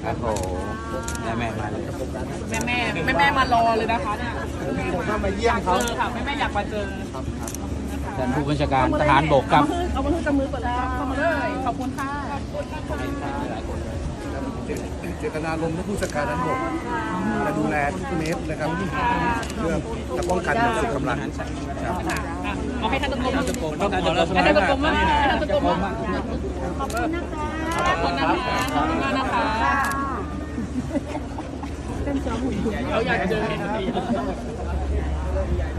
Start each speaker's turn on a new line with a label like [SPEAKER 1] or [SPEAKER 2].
[SPEAKER 1] โอ้โหแม่มาเลย
[SPEAKER 2] แม่มารอเลยนะคะเนี่ย
[SPEAKER 3] ผมก็มาเยี่ยมเขา
[SPEAKER 2] ค่ะแม่อยากมาเจอ
[SPEAKER 1] ท่านผู้บัญชาการทหารบกครับ
[SPEAKER 2] เอามาขึ้นกับมือก่อนเลยเข้ามาเลยขอบคุณค่ะ
[SPEAKER 3] เจตนารมณ์ที่ผู้จัดการนั้นบอกจะดูแลทุกเมตรนะครับเพื่อจะป้องกันสุขกำลังครับ
[SPEAKER 2] เอาให้ท่านตะกรม
[SPEAKER 1] ต้องขอเราส
[SPEAKER 2] ให้
[SPEAKER 1] มั
[SPEAKER 2] ท่าย นตะกรมมากให้ท่านตะกรมมาก
[SPEAKER 4] ขอบคุณนะคะ
[SPEAKER 2] ขอบคุณนะคะขอบคุณมากนะคะเขาอยากเจอ